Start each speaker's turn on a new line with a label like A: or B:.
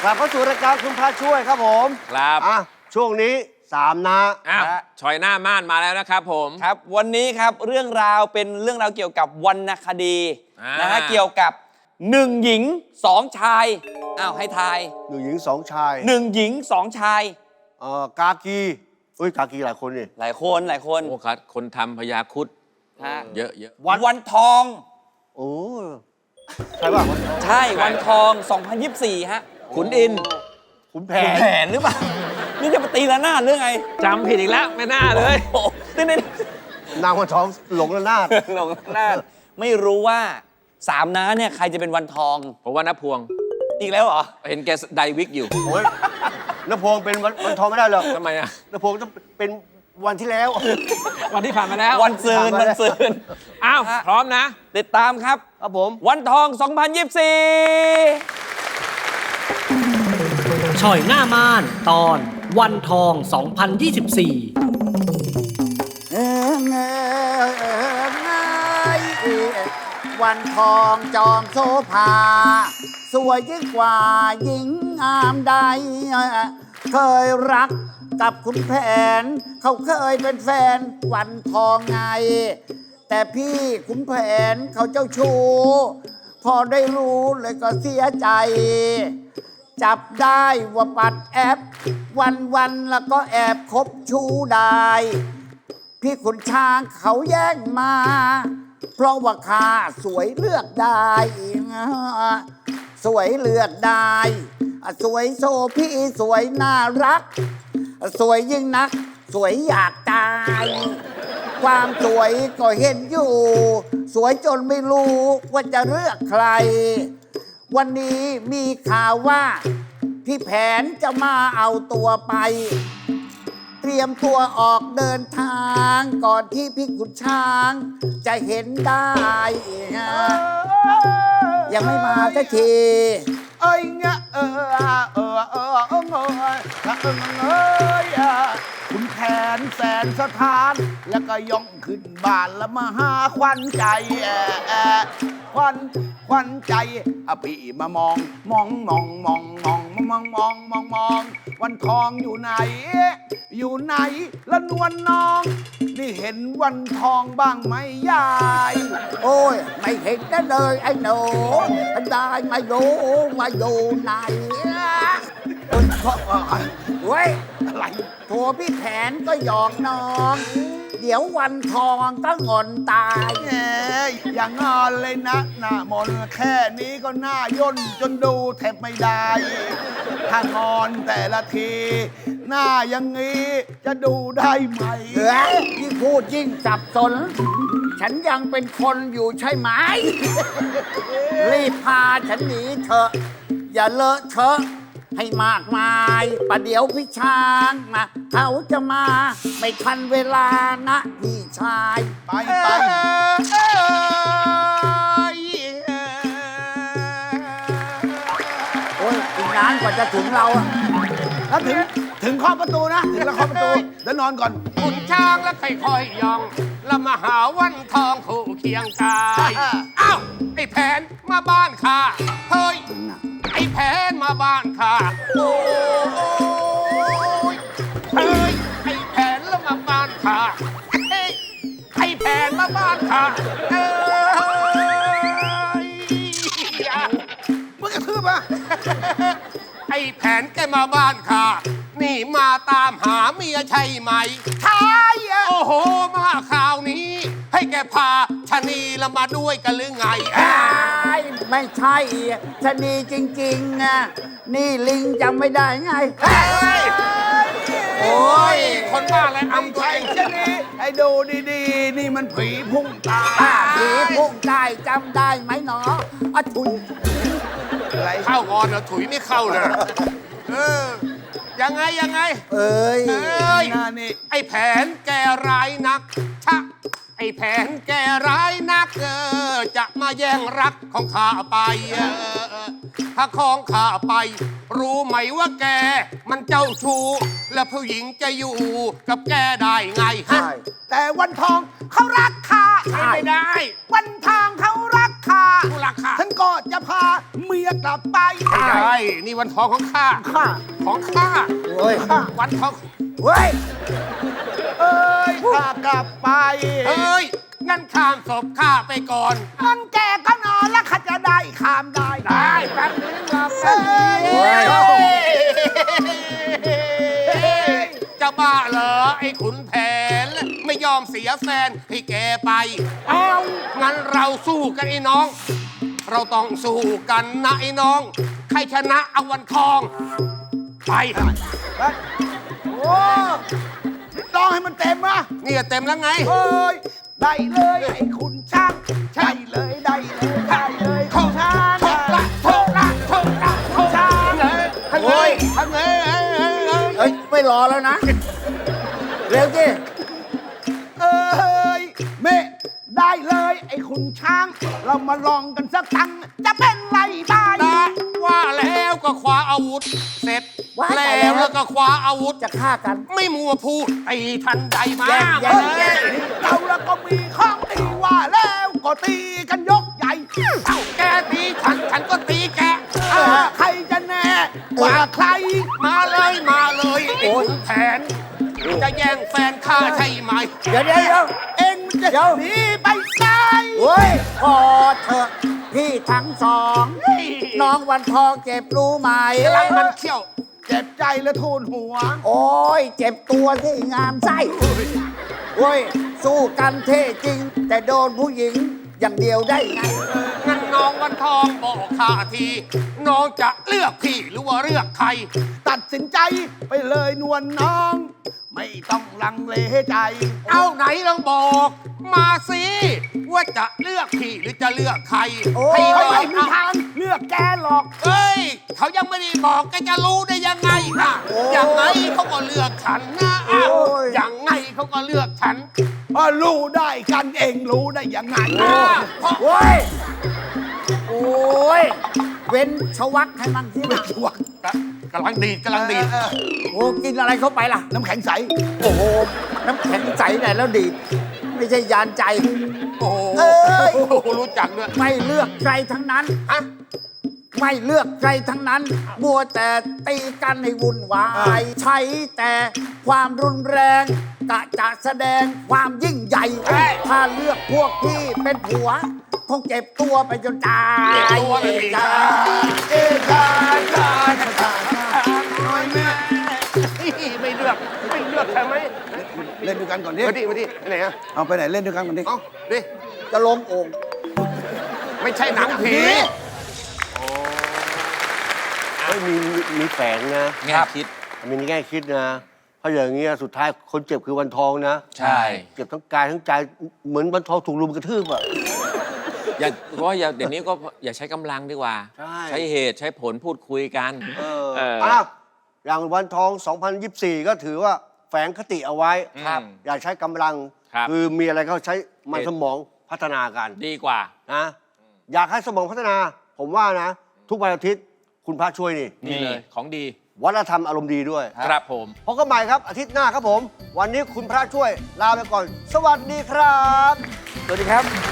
A: ลับเข้าสู่รายการคุณพระช่วยครับผม
B: ครับ
A: ช่วงนี้3นะ
B: ชอยหน้าม่านมาแล้วนะครับผม
C: ครับวันนี้ครับเรื่องราวเป็นเรื่องราวเกี่ยวกับวรรณคดีนะฮะเกี่ยวกับ1 หญิง 2 ชายให้ทาย
A: 1 หญิง 2 ชาย
C: 1 หญิง 2 ชาย
A: กากีกากีหลายคนนี่
C: หลายคน
B: โอ้ครับคนทำพญาครุฑเยอะ
C: วันทอง
A: โอ้ใช่ป่ะ
C: ใช่วันทอง2024ฮะ
B: ขุนอิน
A: ขุนแผ
C: นหรือเปล่านี่จะมาตีละนาดหรือไง
B: จำผิดอีกแล้วไม่น่าเลย
A: นางวันทองหลงละนาด
C: ไม่รู้ว่า3 น้าเนี่ยใครจะเป็นวันทอง
B: เพราะว่าน้าพวง
C: อีกแล้วเหรอ
B: เห็นแกไดวิกอยู่
A: โอ้ยน้าพวงเป็นวันทองไม่ได้หรอก
B: ทำไมอ่ะ
A: น้าพวงต้องเป็นวันที่แล้ว
B: วันที่ผ่านมาแล้ว
C: วันซืน
B: พร้อมนะ
C: ติดตามครับ
A: ผม
C: วันทอง2024
D: ช่อยหน้าม่านตอนวันทอง2024
E: วันทองจอมโซภาสวยยิ่งกว่าหญิงงามใดเคยรักกับคุณแผนเขาเคยเป็นแฟนวันทองไงแต่พี่คุณแผนเขาเจ้าชู้พอได้รู้เลยก็เสียใจจับได้ว่าปัดแอปวันแล้วก็แอบคบชู้ได้พี่ขุนช้างเขาแย่งมาเพราะว่าข้าสวยเลือกได้สวยเลือกได้สวยโซพี่สวยน่ารักสวยยิ่งนักสวยอยากตายความสวยก็เห็นอยู่สวยจนไม่รู้ว่าจะเลือกใครวันนี้มีข่าวว่าพี่แผนจะมาเอาตัวไปเตรียมตัวออกเดินทางก่อนที่พี่ขุนช้างจะเห็นได้ยังไม่มาสักที
F: คุณแผนแสนสถานแล้วก็ย่องขึ้นบ้านแล้วมาหาควันใจควันใจพี่มามองวันทองอยู่ไหนละนวลน้องนี่เห็นวันทองบ้างไหมยาย
E: โอ้ยไม่เห็นได้เลยไอ้หนูได้ไม่รู้มาอยู่ไหนเว้ยอะไรโถพี่แผนก็หยอกน้องเดี๋ยววันทองก็งอนตาย
F: อย่างงอนเลยนะหน้ามนแค่นี้ก็หน้าย่นจนดูแทบไม่ได้ถ้างอนแต่ละทีหน้าอย่างนี้จะดูได้ไหม
E: ยิ่งพูดยิ่งสับสนฉันยังเป็นคนอยู่ใช่ไหมรีบพาฉันหนีเถอะอย่าเลอะเทอะให้มากมายประเดี๋ยวพี่ช้างนะเขาจะมาไม่ทันเวลานะพี่ชาย
F: ไป
E: โอ้ยอีกนานกว่าจะถึงเรา
F: แล้วถึงเคาะประตูนะถึงแล้วเคาะประตูเดี๋ยวนอนก่อน
G: ขุนช้างแล้วค่อยๆย่องแล้วมาหาวันทองคู่เคียงกายอ้าวไอ้แผนมาบ้านข้าเฮ้ยไอ้แผนมาบ้านข้าโอ้ยเฮ้ยไอ้แผนแล้วมาบ้านข้าไอ้แผนมาบ้านข้า
F: มึงกระทืบปะ
G: ไอ้แผนแกมาบ้านข้านี่มาตามหาเมียใช่ไหม
E: ใช่
G: โอ้โหมาข่าวนี้ให้แกพาชะนีละมาด้วยกันหรือไง
E: ไม่ใช่ชะนีจริงๆนะนี่ลิงจำไม่ได้ไง
G: โอ้ยคนบ้าอะไรอำไทย
F: ชะนีไอ้ดูดีๆนี่มันผีพุ่งตาย
E: ผีพุ่งตายจำได้ไหมหนอถุย
G: อะไรเข้าก่อนนะถุยไม่เข้าเลยยังไงนี่ไอ้แผนแกร้ายนักไอ้แผนแกร้ายนักจะมาแย่งรักของข้าไปถ้าของข้าไป รู้ไหมว่าแก มันเจ้าชู้ แล้วผู้หญิงจะอยู่กับแกได้ไงฮะ
F: แต่วันทองเขารักข้า
G: ใช่ไม่ได้
F: วันทองเขารักข้า
G: ผู้รักข้า
F: ฉันก็จะพาเมียกลับไป
G: ไม่ได้นี่วันทองของข้า
F: ข้า
G: ของข้า
A: เฮ้ย
G: วันทอง
F: เฮ้ย เอ้ยข้ากลับไป
G: เฮ้ย งั้นข้ามศพข้าไปก่อน
F: งั้นแกก็นอนแล้วข้าจะได้ข้ามได้
G: ได้แป๊บนึงรอแป๊บนึง
F: เฮ้ย
G: จะบ้าเหรอไอ้ขุนแผน ไม่ยอมเสียแฟนให้แกไป เอางั้นเราสู้กันไอ้น้อง เราต้องสู้กันนะไอ้น้อง ใครชนะเอาวันทอง ไป
F: โอ้ร้องให้มันเต็มนะ
G: เนี่ยเต็มแล้วไง
F: เอ้ย ได้เลยไอ้คุณช่างใช่เลยได้เลยได้เลย
G: เข้า
F: ช่าง
G: โชคละโชคละโชคละโชคละเลยทางเลยทางเลย
E: เอ้ย ไม่รอแล้วนะ เร็วสิ
F: เอ้ยเมได้เลยไอ้คุณช้าง เรามาลองกันสักตั้งจะเป็นไรบ้าง
G: ได้ว่าแล้วก็คว้าอาวุธ เสร็จ
E: ว่า
G: แล้วก็คว้าอาวุธ
E: จะฆ่ากัน
G: ไม่มัวพูดตีทันใดมา
E: แย่ง
G: เฮ้ย
F: เราแล้วก็มีข้องตีว่าแล้วก็ตีกันยกใหญ่
G: เอ้าแกตีฉันฉันก็ตีแก
F: ใครจะแน่กว่าใคร
G: มาเลยมาเลยไอ้ขุนแผน จะแย่งแฟนข้าใช่ไหม
E: เดี๋ยวเดี๋ยวเดี๋ยว
F: เอ็งจะ
E: เดี๋ยว
F: หนีไปไหน
E: เฮ้ย พอเถอะพี่ทั้งสอง น้องวันทองเจ็บรู้ไหม
G: กำลังมันเขี้ยว
F: เจ็บใจและทูนหัว
E: โอ้ย เจ็บตัวที่งามไส้เฮ้ย สู้กันเท่จริง แต่โดนผู้หญิงอย่างเดียวได้ไง
G: งั้นน้องวันทองบอกข้าที น้องจะเลือกพี่หรือว่าเลือกใคร
F: ตัดสินใจไปเลยนวลน้อง ไม่ต้องลังเลใจ
G: เอาไหนลองบอกมาสิว่าจะเลือกพี่หรือจะเลือกใคร
E: โอ้
G: ให้
F: เขา
G: น้อ
F: ไม่
G: ง
F: มีทางเลือกแกหรอก
G: เอ้ย เขายังไม่ได้บอกแกจะรู้ได้ยังไงนะอย่างไงเขาก็เลือกฉันนะอ้าวอย่างไงเขาก็เลือกฉัน
F: รู้ได้กันเองรู้ได้ยังไง
G: เพราะ
E: โอ้ย โอ้ย เว้นชวักให้มันสินะ
F: วัก
G: กำลังดีดกำลังดีด
E: โอ้กินอะไรเข้าไปล่ะ
F: น้ำแข็งใส
E: โอ้โห น้ำแข็งใสไหนแล้วดีดไม่ใช่ยานใจ
G: โอ้
E: เอ้ย
G: โหรู้จักด้วย
E: ไม่เลือกใครทั้งนั้น
G: ฮะ
E: ไม่เลือกใครทั้งนั้น มัวแต่ตีกันให้วุ่นวาย ใช้แต่ความรุนแรงกะจะแสดงความยิ่งใหญ่ ถ้าเลือกพวกพี่เป็นผัว คงเจ็บตัวไปจนตาย
G: ตัวเลย
E: จ้า
F: เอชาชาชาชาน้อยแม่
G: ไม่เลือกไม่เลือกใช่ไหม
F: เล่นด้วยกันก่อนดิ
G: มาดิมาดิไปไหนอะ
F: เอาไปไหนเล่นด้วยกันก่อนดิ
G: เอาดิ
E: จะลงโอ่ง
G: ไม่ใช่หนังผี
A: เฮ้ยมีแฝงนะ
B: แง่คิด
A: มีแง่คิดนะ เพราะอย่างเงี้ยสุดท้ายคนเจ็บคือวันทองนะ
B: ใช่
A: เจ็บทั้งกายทั้งใจเหมือนวันทองถูกรุมกระทืบอ่ะ
B: อย่าเพราะว่าเดี๋ยวนี้ก็อย่าใช้กำลังดีกว่า
A: ใช่
B: เหตุใช้ผลพูดคุยกัน
A: อ้าวอย่างวันทอง 2024 ก็ถือว่าแฝงคติเอาไว้
B: ครับ
A: อย่าใช้กำลัง
B: ครับ
A: อมีอะไรก็ใช้มันสมองพัฒนากัน
B: ดีกว่า
A: นะอยากให้สมองพัฒนา ผมว่านะ ทุกวันอาทิตย์คุณพระช่วยนี่
B: นี่เลยของดี
A: วัฒนธรรมอารมณ์ดีด้วย
B: ครับผม
A: พบกันใหม่ครับอาทิตย์หน้าครับผม วันนี้คุณพระช่วยลาไปก่อน สวัสดีครับ
E: สวัสดีครับ